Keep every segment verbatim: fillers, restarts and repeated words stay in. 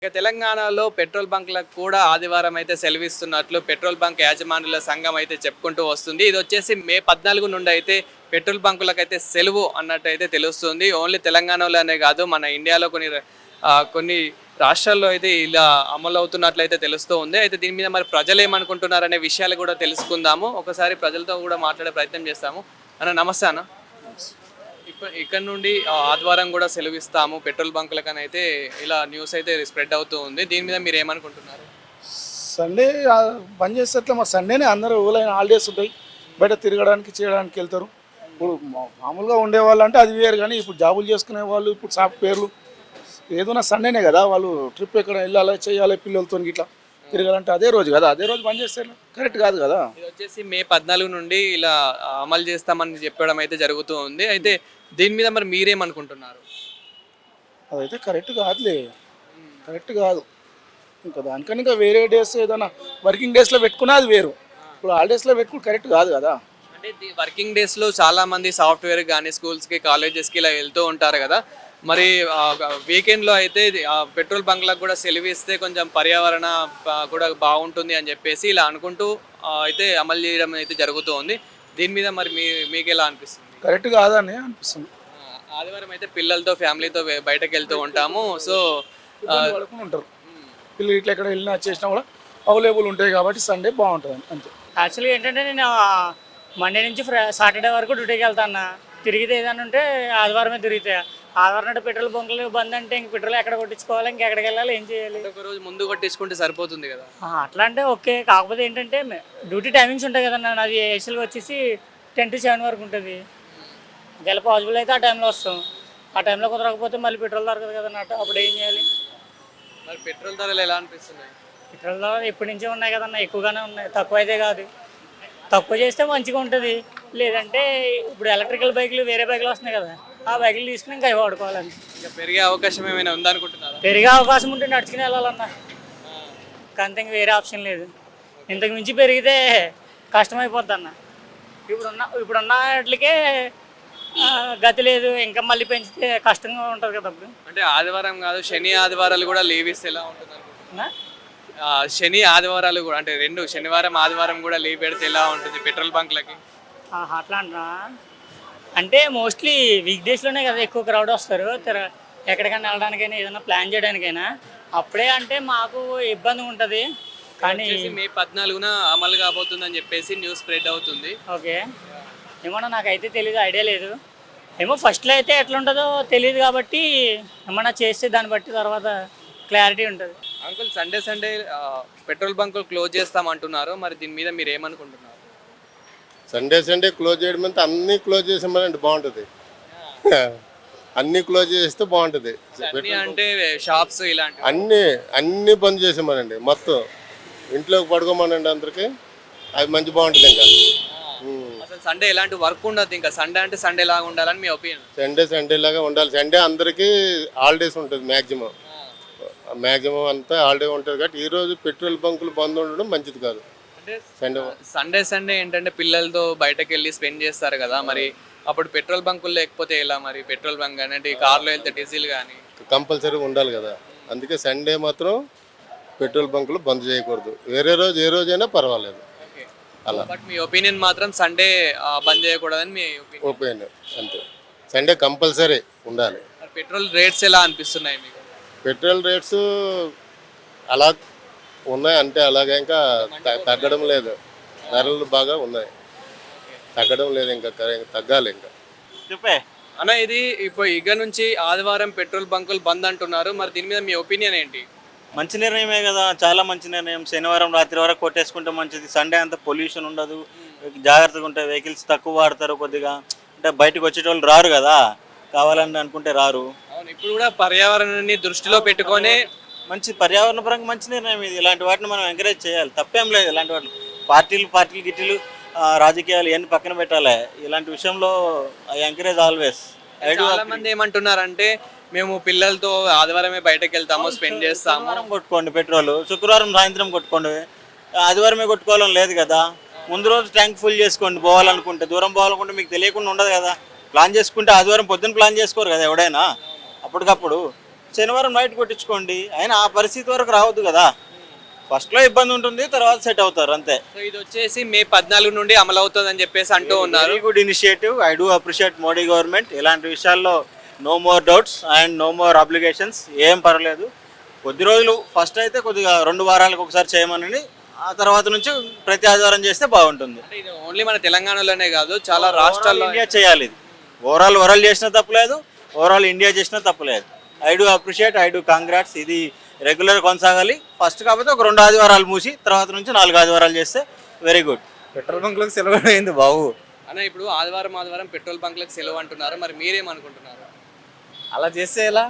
ఇక తెలంగాణలో పెట్రోల్ బంక్లకు కూడా ఆదివారం అయితే సెలవిస్తున్నట్లు పెట్రోల్ బంక్ యాజమానుల సంఘం అయితే చెప్పుకుంటూ వస్తుంది. ఇది వచ్చేసి మే పద్నాలుగు నుండి అయితే పెట్రోల్ బంకులకు అయితే సెలవు అన్నట్టు అయితే తెలుస్తుంది. ఓన్లీ తెలంగాణలోనే కాదు, మన ఇండియాలో కొన్ని ఆ, కొన్ని రాష్ట్రాల్లో అయితే ఇలా అమలు అవుతున్నట్లయితే తెలుస్తూ ఉంది. అయితే దీని మీద మరి ప్రజలు ఏమనుకుంటున్నారు అనే విషయాలు కూడా తెలుసుకుందాము. ఒకసారి ప్రజలతో కూడా మాట్లాడే ప్రయత్నం చేస్తాము. అన్న నమస్తే అన్న. ఇప్ప- ఇక్కడ నుండి ఆ, ఆదివారం కూడా సెలవిస్తాము పెట్రోల్ బంకులకని అయితే ఇలా న్యూస్ అయితే స్ప్రెడ్ అవుతూ ఉంది. దీని మీద మీరు ఏమనుకుంటున్నారు? సండే ఆ, బంద్ చేసేట్లా మా సండేనే అందరూ ఊళ్ళైన హాలిడేస్ ఉంటాయి, బయట తిరగడానికి చేయడానికి వెళ్తారు. ఇప్పుడు మా- మామూలుగా ఉండేవాళ్ళు అంటే అది వేరు, కానీ ఇప్పుడు జాబులు చేసుకునే వాళ్ళు ఇప్పుడు సాఫ్ట్వేర్లు ఏదైనా సండేనే కదా, వాళ్ళు ట్రిప్ ఎక్కడ వెళ్ళాలి చేయాలి పిల్లలతో ఇట్లా తిరగాలంటే అదే రోజు కదా, అదే రోజు బంద్ చేస్తే కరెక్ట్ కాదు కదా. ఇది వచ్చేసి మే పద్నాలుగు నుండి ఇలా ఆ, అమలు చేస్తామని చెప్పడం అయితే జరుగుతూ ఉంది. అయితే దీని మీద మరి మీరేమనుకుంటున్నారు? అదైతే కరెక్ట్ కాదులే, కరెక్ట్ కాదు. ఇంకా దానికని ఇంకా వేరే డేస్ ఏదైనా వర్కింగ్ డేస్లో పెట్టుకున్నా అది వేరు, ఇప్పుడు హాలిడేస్లో పెట్టుకుని కరెక్ట్ కాదు కదా. అంటే వర్కింగ్ డేస్లో చాలా మంది సాఫ్ట్వేర్ కానీ స్కూల్స్కి కాలేజెస్కి ఇలా వెళ్తూ ఉంటారు కదా. మరి వీకెండ్లో అయితే ఇది, ఆ, పెట్రోల్ బంక్లకు కూడా సెలవు ఇస్తే కొంచెం పర్యావరణ ఆ, కూడా బాగుంటుంది అని చెప్పేసి ఇలా అనుకుంటూ ఆ, అయితే అమలు చేయడం అయితే జరుగుతూ ఉంది. దీని మీద మరి మీ మీకు ఎలా అనిపిస్తుంది? కరెక్ట్ కాదని అనిపిస్తుంది. ఆ, ఆదివారం అయితే పిల్లలతో ఫ్యామిలీతో బయ- బయటకు వెళ్తూ ఉంటాము. సో ఆ, ఇబ్బంది పడుకుని ఉంటారు పిల్లలు, ఇట్లా ఎక్కడ వెళ్ళినా చేసినా కూడా అవైలబుల్ ఉంటాయి కాబట్టి సండే బాగుంటుంది అంతే. యాక్చువల్గా ఏంటంటే నేను మండే నుంచి ఫ్రై సాటర్డే వరకు డ్యూటీకి వెళ్తాను. తిరిగితే ఏదైనా ఉంటే ఆదివారమే తిరిగితే, ఆదివారం అంటే పెట్రోల్ బంకులు బంద్ అంటే ఇంక పెట్రోల్ ఎక్కడ కొట్టించుకోవాలి, ఇంకెక్కడికి వెళ్ళాలి, ఏం చేయాలి? ఒక రోజు ముందు కొట్టించుకుంటే సరిపోతుంది కదా. ఆ, అట్లా అంటే ఓకే. కాకపోతే ఏంటంటే డ్యూటీ టైమింగ్స్ ఉంటాయి కదన్నా. నాది ఏసీలు వచ్చేసి టెన్ టు సెవెన్ వరకు ఉంటుంది. ఒకవేళ పాసిబుల్ అయితే ఆ టైంలో వస్తాం. ఆ టైంలో కుదరకపోతే మళ్ళీ పెట్రోల్ దొరకదు కదన్నా, అప్పుడు ఏం చేయాలి? మరి పెట్రోల్ ధరలు ఎలా అనిపిస్తున్నాయి? పెట్రోల్ ధరలు ఎప్పటి నుంచే ఉన్నాయి కదన్నా, ఎక్కువగానే ఉన్నాయి, తక్కువ అయితే కాదు. తక్కువ చేస్తే మంచిగా ఉంటుంది. లేదంటే ఇప్పుడు ఎలక్ట్రికల్ బైకులు వేరే బైకులు వస్తున్నాయి కదా, ఆ బైకులు తీసుకుని ఇంకా అవి వాడుకోవాలండి. ఇంకా పెరిగే అవకాశం ఏమైనా ఉందనుకుంటున్నారా? పెరిగే అవకాశం ఉంటే నడుచుకుని వెళ్ళాలన్నా, అంతే, ఇంక వేరే ఆప్షన్ లేదు. ఇంతకు మించి పెరిగితే కష్టమైపోద్ది అన్న. ఇప్పుడున్న ఇప్పుడున్న వాటికే ఆ, గతి లేదు, ఇంకా మళ్ళీ పెంచితే కష్టంగా ఉంటుంది కదా అప్పుడు. అంటే ఆదివారం కాదు, శని ఆదివారాలు కూడా లీవ్ ఇస్తే ఎలా ఉంటుంది అనుకుంటున్నా? నా? ఆ, శని ఆదివారాలు కూడా అంటే రెండు శనివారం ఆదివారం కూడా లీవ్ పెడితే ఎలా ఉంటుంది పెట్రోల్ బంక్లకి? ఆహా, అట్లా అంటున్నా. అంటే మోస్ట్లీ వీక్ డేస్లోనే కదా ఎక్కువ క్రౌడ్ వస్తారు. తిర- ఎక్కడికైనా వెళ్ళడానికైనా ఏదైనా ప్లాన్ చేయడానికైనా అప్పుడే అంటే మాకు ఇబ్బంది ఉంటుంది. కానీ వచ్చేసి మే పద్నాలుగున అమలు కాబోతుందని చెప్పేసి న్యూస్ స్ప్రెడ్ అవుతుంది. ఓకే, ఏమన్నా నాకైతే తెలీదు, ఐడియా లేదు. ఏమో ఫస్ట్లో అయితే ఎట్లుంటుందో తెలియదు కాబట్టి ఏమన్నా చేస్తే దాన్ని బట్టి తర్వాత క్లారిటీ ఉంటుంది. అంకుల్, సండే సండే ఆ, పెట్రోల్ బంకులు క్లోజ్ చేస్తామంటున్నారు. మరి దీని మీద మీరు ఏమనుకుంటున్నారు? సండే సండే క్లోజ్ చేయడం అంటే అన్నీ క్లోజ్ చేసామనండి బాగుంటుంది. అన్నీ క్లోజ్ చేస్తే బాగుంటుంది. అన్ని అంటే షాప్స్ ఇలాంటివి. అన్నీ అన్నీ బంద్ చేసామనండి, మొత్తం ఇంట్లోకి పడుకోమనండి అందరికి, అది మంచి బాగుంటుంది. ఇంకా ఉమ్. అసలు సండే ఎలాంటి వర్క్ ఉండదు. ఇంకా సండే అంటే సండే లాగా ఉండాలని మీ ఒపీనియన్? సండే సండే లాగా ఉండాలి. సండే అందరికీ హాలిడేస్ ఉంటుంది, మ్యాక్సిమం మ్యాక్సిమం అంతా హాలిడే ఉంటుంది కాబట్టి ఈరోజు పెట్రోల్ బంకులు బంద్ ఉండడం మంచిది కాదు. అంటే సండే సండే సండే ఏంటంటే పిల్లలతో బయటకు వెళ్ళి స్పెండ్ చేస్తారు కదా, మరి అప్పుడు పెట్రోల్ బంకులు లేకపోతే ఎలా? మరి పెట్రోల్ బంక్ కానీ అంటే కార్లో వెళ్తే డీజిల్ కానీ కంపల్సరీ ఉండాలి కదా, అందుకే సండే మాత్రం పెట్రోల్ బంకులు బంద్ చేయకూడదు. వేరే రోజు ఏ రోజైనా పర్వాలేదు. ఓకే అలా బట్ మీ ఒపీనియన్ మాత్రం సండే బంద్ చేయకూడదని మీ ఒపీనియన్. ఓపెన్ అంతే, సండే కంపల్సరీ ఉండాలి. మరి పెట్రోల్ రేట్స్ ఎలా అనిపిస్తున్నాయి మీకు? పెట్రోల్ రేట్స్ అలా ఉన్నాయి అంటే అలాగే ఇంకా త- తగ్గడం లేదు. ధరలు బాగా ఉన్నాయి, తగ్గడం లేదు, ఇంకా క- తగ్గాలి ఇంకా. చెప్పే అన్న, ఇది ఇప్పుడు ఇక నుంచి ఆదివారం పెట్రోల్ బంకులు బంద్ అంటున్నారు. మరి దీని మీద మీ ఒపీనియన్ ఏంటి? మంచి నిర్ణయమే కదా, చాలా మంచి నిర్ణయం. శనివారం రాత్రి వరకు కొట్టేసుకుంటే మంచిది. సండే అంతా పొల్యూషన్ ఉండదు, జాగ్రత్తగా ఉంటాయి, వెహికల్స్ తక్కువ వాడతారు కొద్దిగా. అంటే బయటకు వచ్చేటోళ్ళు రారు కదా, కావాలని అనుకుంటే రారు. అవును, ఇప్పుడు కూడా పర్యావరణాన్ని దృష్టిలో పెట్టుకొని మంచి పర్యావరణ పరంగా మంచి నిర్ణయం ఇది. ఇలాంటి వాటిని మనం ఎంకరేజ్ చేయాలి, తప్పేం లేదు. ఇలాంటి వాటిని పార్టీలు పార్టీలు గిట్టీలు ఆ, రాజకీయాలు ఇవన్నీ పక్కన పెట్టాలి. ఇలాంటి విషయంలో ఐ ఎంకరేజ్ ఆల్వేస్. చాలా మంది ఏమంటున్నారంటే మేము పిల్లలతో ఆదివారమే బయటకు వెళ్తాము, స్పెండ్ చేస్తాము. శనివారం కొట్టుకోండి పెట్రోల్, శుక్రవారం సాయంత్రం కొట్టుకోండి, ఆదివారమే కొట్టుకోవాలని లేదు కదా. ముందు రోజు ట్యాంక్ ఫుల్ చేసుకోండి, పోవాలనుకుంటే. దూరం పోవాలనుకుంటే మీకు తెలియకుండా ఉండదు కదా. ప్లాన్ చేసుకుంటే ఆదివారం పొద్దున్న ప్లాన్ చేసుకోరు కదా ఎవడైనా, అప్పటికప్పుడు శనివారం నైట్ కొట్టించుకోండి. అయినా ఆ పరిస్థితి వరకు రావద్దు కదా. ఫస్ట్లో ఇబ్బంది ఉంటుంది, తర్వాత సెట్ అవుతారు అంతే. సో ఇది వచ్చేసి మే పద్నాలుగు నుండి అమలు అవుతుందని చెప్పేసి అంటూ ఉన్నారు. Very good initiative. I do appreciate Modi government. ఇలాంటి విషయాల్లో no more doubts and no more applications. ఏం పర్లేదు, కొద్ది రోజులు ఫస్ట్ అయితే కొద్దిగా రెండు వారాలకు ఒకసారి చేయమని, ఆ తర్వాత నుంచి ప్రతి ఆదివారం చేస్తే బాగుంటుంది. అంటే ఇది ఓన్లీ మన తెలంగాణలోనే కాదు, చాలా రాష్ట్రాల్లో ఇండియా చేయాలి ఇది. ఓవరాల్ వరల్డ్ చేసినా తప్పులేదు, ఓవరాల్ ఇండియా చేసినా తప్పులేదు. I do appreciate, I do congrats. ఇది రెగ్యులర్ కొనసాగాలి. ఫస్ట్ కాకపోతే ఒక రెండు ఆదివారాలు మూసి తర్వాత నుంచి నాలుగు ఆదివారాలు చేస్తే వెరీ గుడ్. పెట్రోల్ బంక్లకు సెలవు అయింది బాబు. అన్న ఇప్పుడు ఆదివారం ఆదివారం పెట్రోల్ బంక్లకు సెలవు అంటున్నారు, మరి మీరేమనుకుంటున్నారు? అలా చేస్తే ఎలా?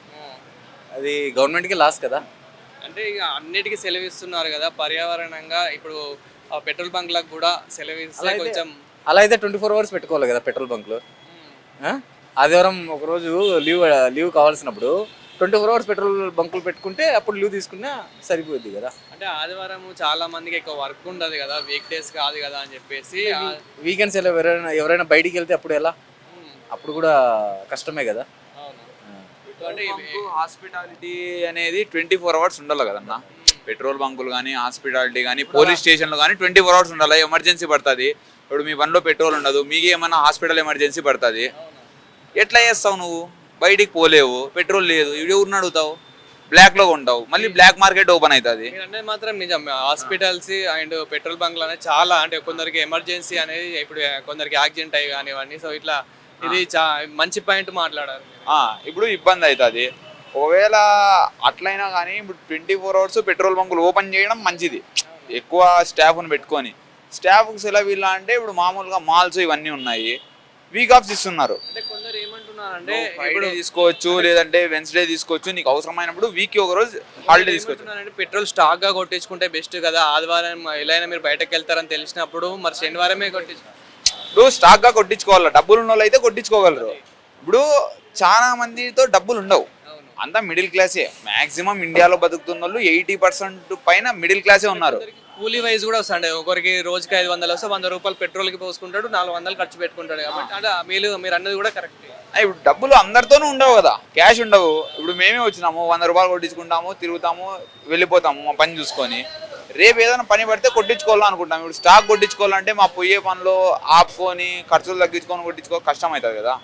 అది గవర్నమెంట్కి లాస్ కదా. అంటే ఇక అన్నిటికీ సెలవు ఇస్తున్నారు కదా, పర్యావరణంగా ఇప్పుడు ఆ పెట్రోల్ బంక్లకు కూడా సెలవు అలా ఇస్తే అయితే- కొంచెం అలా అయితే ట్వంటీ ఫోర్ అవర్స్ పెట్టుకోవాలి కదా పెట్రోల్ బంక్లో. ఆ? ఆదివారం ఒకరోజు లీవ్ లీవ్ కావాల్సినప్పుడు ట్వంటీ ఫోర్ అవర్స్ పెట్రోల్ బంకులు పెట్టుకుంటే అప్పుడు లీవ్ తీసుకున్నా సరిపోద్ది కదా. అంటే ఆదివారం చాలా మందికి ఎక్కువ వర్క్ ఉండదు కదా, వీక్ డేస్ కాదు కదా అని చెప్పేసి ఆ- వీకెండ్స్ ఎలా ఎవరైనా ఎవరైనా బయటికి వెళ్తే అప్పుడు ఎలా? అప్పుడు కూడా కష్టమే కదా. అవును. ఆ. అంటే ఇవి- హాస్పిటాలిటీ అనేది ట్వంటీ ఫోర్ అవర్స్ ఉండాలి కదన్నా. పెట్రోల్ బంకులు కానీ హాస్పిటాలిటీ కానీ పోలీస్ స్టేషన్లు కానీ ట్వంటీ ఫోర్ అవర్స్ ఉండాలి. ఎమర్జెన్సీ పడుతుంది, ఇప్పుడు మీ బండిలో పెట్రోల్ ఉండదు, మీకు ఏమన్నా హాస్పిటల్ ఎమర్జెన్సీ పడుతుంది, ఎట్లా చేస్తావు నువ్వు? బయటికి పోలేవు, పెట్రోల్ లేదు, ఇవి ఊరిని అడుగుతావు, బ్లాక్లో ఉంటావు, మళ్ళీ బ్లాక్ మార్కెట్ ఓపెన్ అవుతుంది. మీరు అనేది మాత్రం నిజం. హాస్పిటల్స్ అండ్ పెట్రోల్ బంక్లు అనేది చాలా, అంటే కొందరికి ఎమర్జెన్సీ అనేది ఇప్పుడు కొందరికి యాక్సిడెంట్ అయ్యి కానివ్వండి. సో ఇట్లా ఇది చా మంచి పాయింట్ మాట్లాడారు. ఆ, ఇప్పుడు ఇబ్బంది అవుతుంది. ఒకవేళ అట్లయినా కానీ ఇప్పుడు ట్వంటీ ఫోర్ అవర్స్ పెట్రోల్ బంకులు ఓపెన్ చేయడం మంచిది, ఎక్కువ స్టాఫ్ను పెట్టుకొని. స్టాఫ్కి సెలవు ఇలా అంటే ఇప్పుడు మామూలుగా మాల్స్ ఇవన్నీ ఉన్నాయి, వీక్ ఆఫ్స్ ఇస్తున్నారు. అంటే కొందరు ఏమంటున్నారంటే ఫ్రైడే తీసుకోవచ్చు, లేదంటే వెన్స్డే తీసుకోవచ్చు, నీకు అవసరమైనప్పుడు వీక్ ఒక రోజు హాలిడే తీసుకోవచ్చు. ఏమంటున్నారంటే పెట్రోల్ స్టాక్ గా కొట్టించుకుంటే బెస్ట్ కదా, ఆదివారం ఎలా అయినా మీరు బయటకు వెళ్తారని తెలిసినప్పుడు మరి శనివారమే కొట్టించు. ఇప్పుడు స్టాక్ గా కొట్టించుకోవాలి, డబ్బులు ఉన్న వాళ్ళు అయితే కొట్టించుకోగలరు. ఇప్పుడు చాలా మందితో డబ్బులు ఉండవు, అంతా మిడిల్ క్లాసే. మాక్సిమం ఇండియాలో బతుకుతున్న వాళ్ళు ఎయిటీ పర్సెంట్ పైన మిడిల్ క్లాసే ఉన్నారు. కూలీ వైజ్ కూడా వస్తాండే, ఒకరికి రోజుకి ఐదు వందలు వస్తే వంద రూపాయలు పెట్రోల్ కి పోసుకుంటాడు, నాలుగు వందలు ఖర్చు పెట్టుకుంటాడు. కాబట్టి అంటే మీరు మీరు అన్నది కూడా కరెక్ట్. ఆ, ఇప్పుడు డబ్బులు అందరితోనూ ఉండవు కదా, క్యాష్ ఉండవు. ఇప్పుడు మేమే వచ్చినాము, వంద రూపాయలు కొట్టించుకుంటాము, తిరుగుతాము, వెళ్ళిపోతాము మా పని చూసుకొని. రేపు ఏదైనా పని పడితే కొట్టించుకోవాలనుకుంటాం. ఇప్పుడు స్టాక్ కొట్టించుకోవాలంటే మా పొయ్యే పనిలో ఆపుకొని ఖర్చులు తగ్గించుకొని కొట్టించుకో కష్టం అవుతుంది కదా,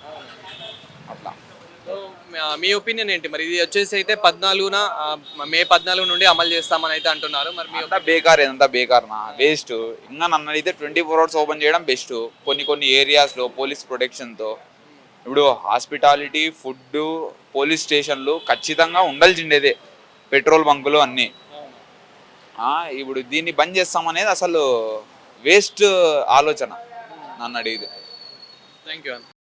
అట్లా. సో మీ ఒపీనియన్ ఏంటి మరి? ఇది వచ్చేసి అయితే పద్నాలుగున ఆ, మే పద్నాలుగు నుండి అమలు చేస్తామని అయితే అంటున్నారు. మరి మీ అంతా బేకార్, ఏదంతా బేకార్నా, వేస్ట్. ఇంకా నన్ను అయితే ట్వంటీ ఫోర్ అవర్స్ ఓపెన్ చేయడం బెస్ట్. కొన్ని కొన్ని ఏరియాస్లో పోలీస్ ప్రొటెక్షన్తో. ఇప్పుడు హాస్పిటాలిటీ, ఫుడ్, పోలీస్ స్టేషన్లు ఖచ్చితంగా ఉండాల్సిండేదే, పెట్రోల్ బంకులు అన్నీ. ఇప్పుడు దీన్ని బంద్ చేస్తామనేది అసలు వేస్ట్ ఆలోచన నన్ను అడిగితే. Thank you.